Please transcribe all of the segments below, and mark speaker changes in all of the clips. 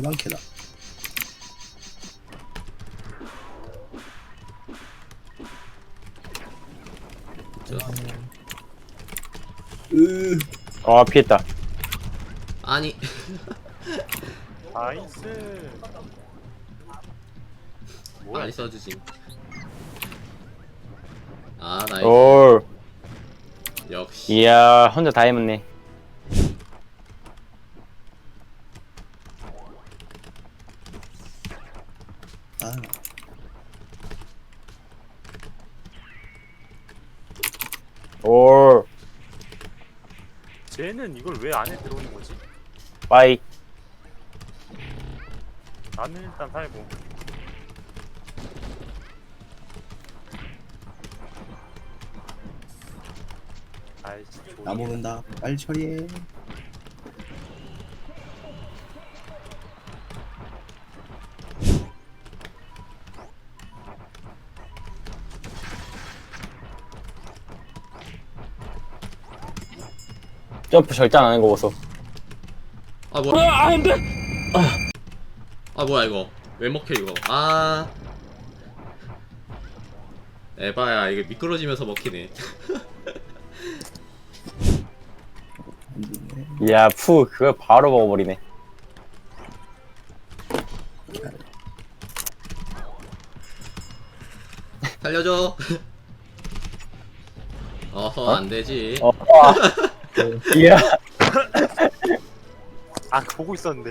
Speaker 1: 빨강캐다.
Speaker 2: 피했다.
Speaker 3: 아니
Speaker 4: 나이스. 뭐야?
Speaker 3: 많이 써주지. 아 나이스.
Speaker 2: 올.
Speaker 3: 역시.
Speaker 2: 이야, 혼자 다 해먹네.
Speaker 1: 아,
Speaker 2: 올.
Speaker 4: 쟤는 이걸 왜 안에 들어오는 거지?
Speaker 2: 빠이.
Speaker 4: 나는 일단 살고. 아이씨,
Speaker 1: 나 모른다. 빨리 처리해.
Speaker 2: 점프 절대 안 하는 거 보소.
Speaker 3: 아 뭐야? 안 돼. 아 뭐야 이거? 왜 먹혀 이거? 아. 에바야 이게 미끄러지면서 먹히네.
Speaker 1: 안 되네.
Speaker 2: 이야, 그걸 바로 먹어버리네.
Speaker 3: 살려줘. 어허 안되지.
Speaker 2: 이야.
Speaker 4: 아, 보고 있었는데.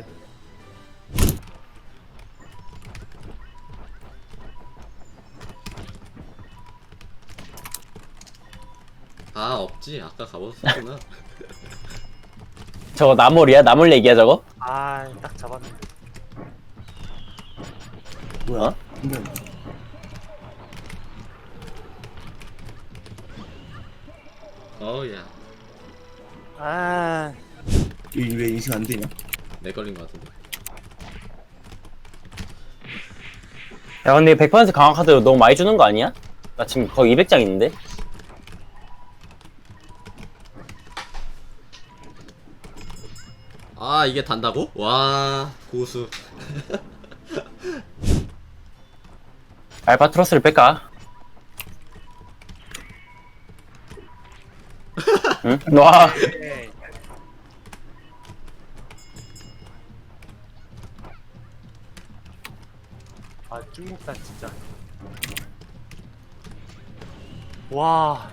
Speaker 3: 아 없지 아까 가봤었구나.
Speaker 2: 저거 나물이야? 나물 얘기야, 저거?
Speaker 4: 아, 딱 잡았는데.
Speaker 1: 뭐야?
Speaker 2: 어?
Speaker 1: 힘들네.
Speaker 3: 어우야
Speaker 4: 아,
Speaker 1: 왜 인식 안 되냐?
Speaker 3: 내 걸린 것 같은데.
Speaker 2: 야, 근데 100% 강화 카드 너무 많이 주는 거 아니야? 나 지금 거의 200장 있는데?
Speaker 3: 아 이게 단다고? 와 고수.
Speaker 2: 알바트로스를 뺄까? 응? 와.
Speaker 4: 에이. 아, 중국산 진짜. 와,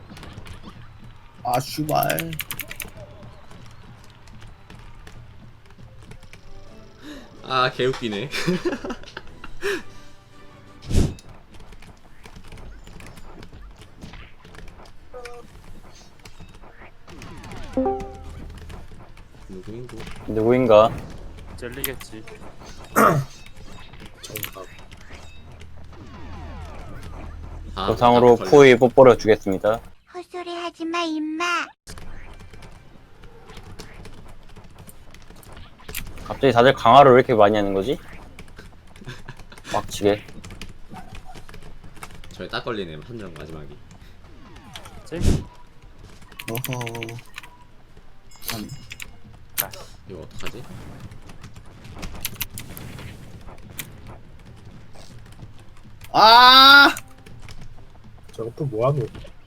Speaker 1: 아, 슈발.
Speaker 3: 아 개웃기네. 누구인고?
Speaker 2: 누구인가?
Speaker 4: 젤리겠지.
Speaker 3: 아,
Speaker 2: 보상으로
Speaker 3: 걸려.
Speaker 2: 푸이 뽀뽀를 주겠습니다.
Speaker 5: 헛소리 하지마 임마.
Speaker 2: 갑자기 다들 강화를 왜 이렇게 많이 하는 거지? 막치게.
Speaker 3: 저에 딱 걸리네 한정 마지막이.
Speaker 4: 젤?
Speaker 1: 어허. 아니,
Speaker 3: 이거 어떡하지?
Speaker 1: 아!
Speaker 6: 저거 또 뭐하노?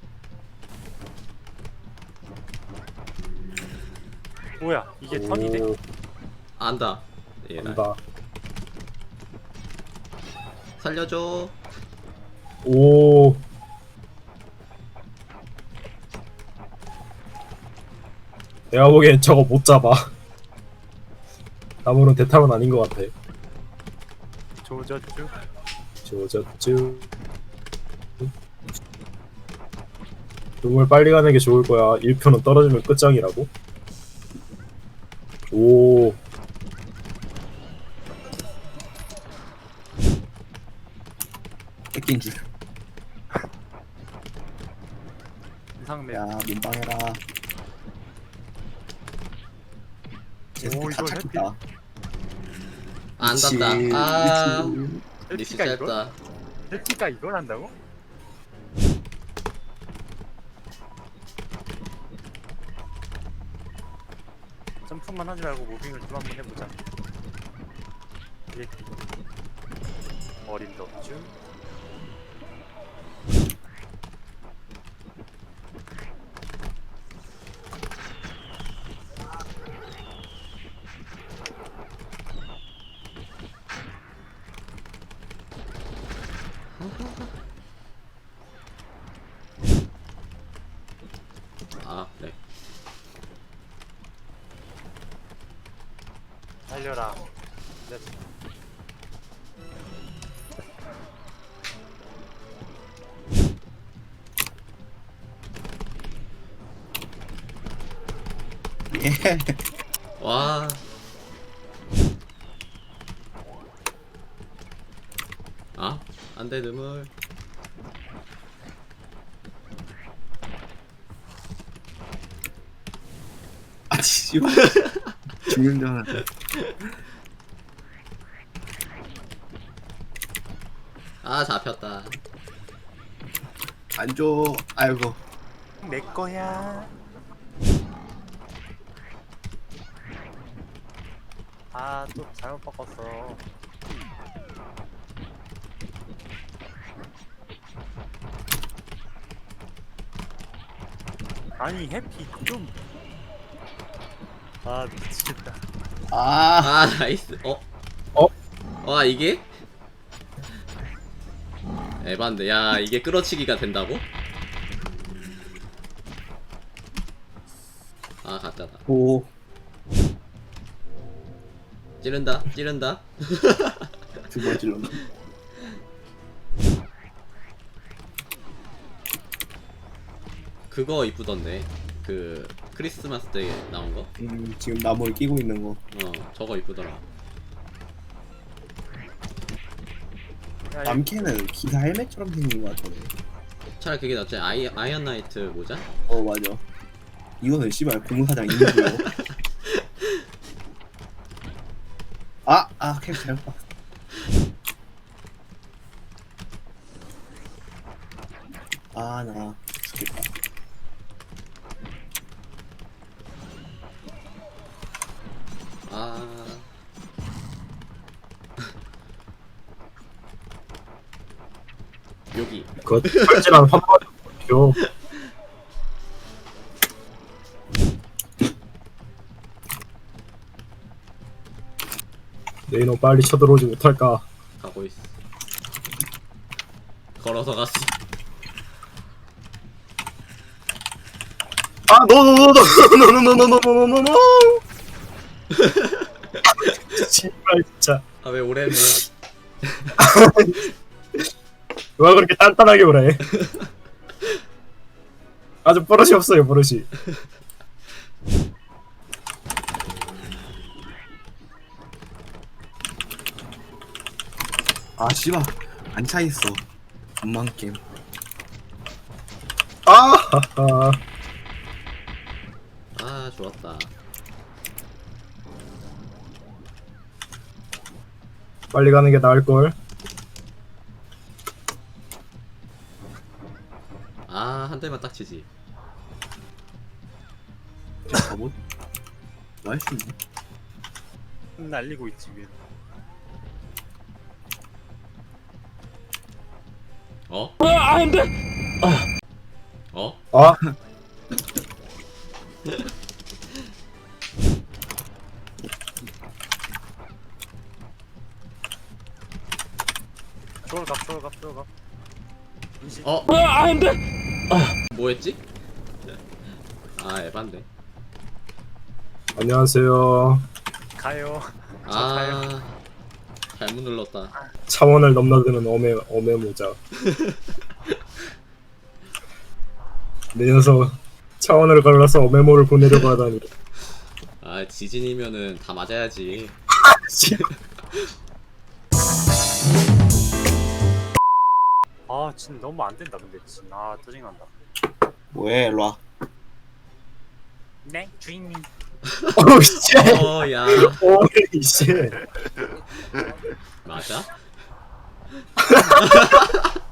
Speaker 4: 뭐야, 이게 턴이 돼?
Speaker 6: 오,
Speaker 3: 안다. 예, 나
Speaker 6: 안다.
Speaker 3: 살려줘.
Speaker 6: 오. 내가 보기엔 저거 못 잡아. 나무는 대탈은 아닌 것 같아.
Speaker 4: 조졌죠?
Speaker 6: 조졌쥬. 용을 빨리 가는 게 좋을 거야. 1표는 떨어지면 끝장이라고. 오.
Speaker 1: 뺏긴 줄.
Speaker 4: 이상맵.
Speaker 1: 야, 민방해라.
Speaker 4: 오,
Speaker 1: 다
Speaker 4: 이걸
Speaker 1: 찾겠다.
Speaker 3: 안 닿다. 아 리스
Speaker 4: 헬티가 이걸?
Speaker 3: 짧다.
Speaker 4: 헬티가 이걸 한다고? 점프만 하지 말고 무빙을 좀 한번 해보자. 이렇게 어림도 없죠.
Speaker 3: 아 그래.
Speaker 4: 달려라. 네.
Speaker 1: 예.
Speaker 3: 와. 아 안돼 눈물.
Speaker 1: 아 씨발. 죽는 줄 알았네.
Speaker 3: 아 잡혔다.
Speaker 1: 안 줘. 아이고.
Speaker 4: 내 거야. 아, 또 잘못 바꿨어. 아니, 해피 좀. 아, 미치겠다.
Speaker 1: 아.
Speaker 3: 아 나이스. 어?
Speaker 6: 어?
Speaker 3: 와 이게? 에반데. 야 이게 끌어치기가 된다고? 아 가짜다.
Speaker 1: 오.
Speaker 3: 찌른다 찌른다.
Speaker 1: 두 번 찔렀네.
Speaker 3: 그거 이쁘던데. 그 크리스마스 때 나온 거?
Speaker 1: 지금 나무를 끼고 있는 거.
Speaker 3: 저거 이쁘더라.
Speaker 4: 야,
Speaker 1: 남캐는 기사 헬멧처럼 생긴 거 같던데.
Speaker 3: 차라리 그게 낫지. 아이언 나이트 모자?
Speaker 1: 어 맞아. 이거는 씨발 공사장 인구요. 캐릭 잘못 봤어. 나 죽겠다.
Speaker 3: 아 여기.
Speaker 6: 그거 팔찌랑 한 번에 줘. 내 이놈 빨리 쳐들어오지 못할까?
Speaker 3: 가고 있어. 걸어서 갔어.
Speaker 6: 아, 노노노노노노노노노노노노노. 정말 진짜.
Speaker 3: 아 왜 오래네.
Speaker 6: 왜 그렇게 단단하게 오래? 아주 버릇이 없어요, 버릇이.
Speaker 1: 아 씨발 안 차있어. 엄만 게임.
Speaker 6: 아하하.
Speaker 3: 아 좋았다.
Speaker 6: 빨리 가는 게 나을 걸.
Speaker 3: 아 한 대만 딱 치지.
Speaker 1: 가보. 뭐 할 수 있네.
Speaker 4: 날리고 있지, 위에.
Speaker 3: 어? 어?
Speaker 6: 아,
Speaker 4: 쪼글갑. 인식.
Speaker 3: 어? 뭐했지? 아 에반데.
Speaker 6: 안녕하세요.
Speaker 4: 가요.
Speaker 3: 아 잘못 눌렀다.
Speaker 6: 차원을 넘나드는 어메 모자. 내 녀석 차원을 갈라서 어메모를 보내려고 하다니.
Speaker 3: 아 지진이면은 다 맞아야지.
Speaker 4: 아, 진 너무 안 된다, 근데. 진. 아, 짜증난다.
Speaker 1: 뭐해 일로와.
Speaker 4: 네, 주인님.
Speaker 6: 어우 씨.
Speaker 3: 어야
Speaker 6: 오이 씨.
Speaker 3: 맞아?